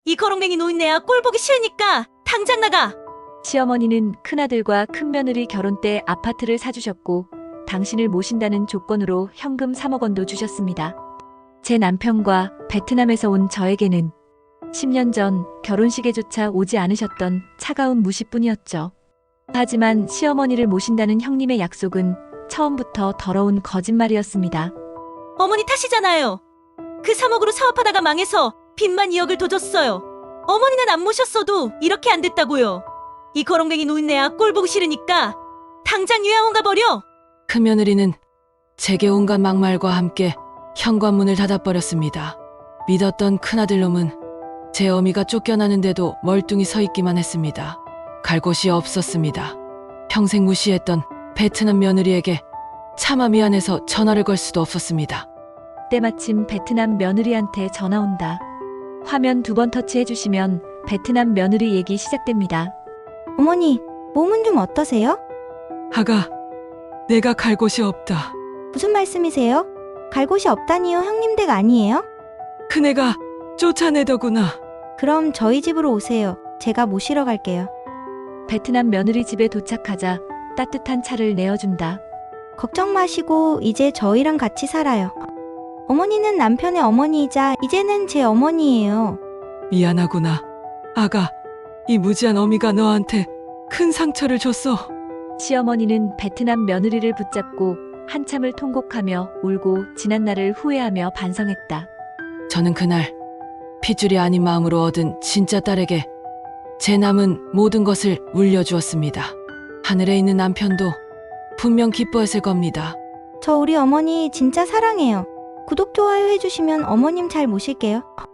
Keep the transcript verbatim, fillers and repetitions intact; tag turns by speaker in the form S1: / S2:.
S1: 이 거렁뱅이 노인네야 꼴 보기 싫으니까 당장 나가.
S2: 시어머니는 큰아들과 큰며느리 결혼 때 아파트를 사주셨고 당신을 모신다는 조건으로 현금 삼억 원도 주셨습니다. 제 남편과 베트남에서 온 저에게는 십 년 전 결혼식에조차 오지 않으셨던 차가운 무시뿐이었죠. 하지만 시어머니를 모신다는 형님의 약속은 처음부터 더러운 거짓말이었습니다.
S1: 어머니 탓이잖아요. 그 삼억으로 사업하다가 망해서 빚만 이억을 더 줬어요. 어머니는 안 모셨어도 이렇게 안 됐다고요. 이 거렁뱅이 노인네야 꼴 보기 싫으니까 당장 요양원 가버려.
S3: 큰며느리는 제게 온갖 막말과 함께 현관문을 닫아버렸습니다. 믿었던 큰아들놈은 제 어미가 쫓겨나는데도 멀뚱히 서 있기만 했습니다. 갈 곳이 없었습니다. 평생 무시했던 베트남 며느리에게 차마 미안해서 전화를 걸 수도 없었습니다.
S2: 때마침 베트남 며느리한테 전화 온다. 화면 두 번 터치해주시면 베트남 며느리 얘기 시작됩니다.
S4: 어머니, 몸은 좀 어떠세요?
S3: 아가, 내가 갈 곳이 없다.
S4: 무슨 말씀이세요? 갈 곳이 없다니요, 형님 댁 아니에요?
S3: 큰애가 쫓아내더구나.
S4: 그럼 저희 집으로 오세요. 제가 모시러 갈게요.
S2: 베트남 며느리 집에 도착하자 따뜻한 차를 내어준다.
S4: 걱정 마시고 이제 저희랑 같이 살아요. 어머니는 남편의 어머니이자 이제는 제 어머니예요.
S3: 미안하구나. 아가, 이 무지한 어미가 너한테 큰 상처를 줬어.
S2: 시어머니는 베트남 며느리를 붙잡고 한참을 통곡하며 울고 지난 날을 후회하며 반성했다.
S3: 저는 그날 핏줄이 아닌 마음으로 얻은 진짜 딸에게 제 남은 모든 것을 물려주었습니다. 하늘에 있는 남편도 분명 기뻐했을 겁니다.
S4: 저 우리 어머니 진짜 사랑해요. 구독, 좋아요 해주시면 어머님 잘 모실게요.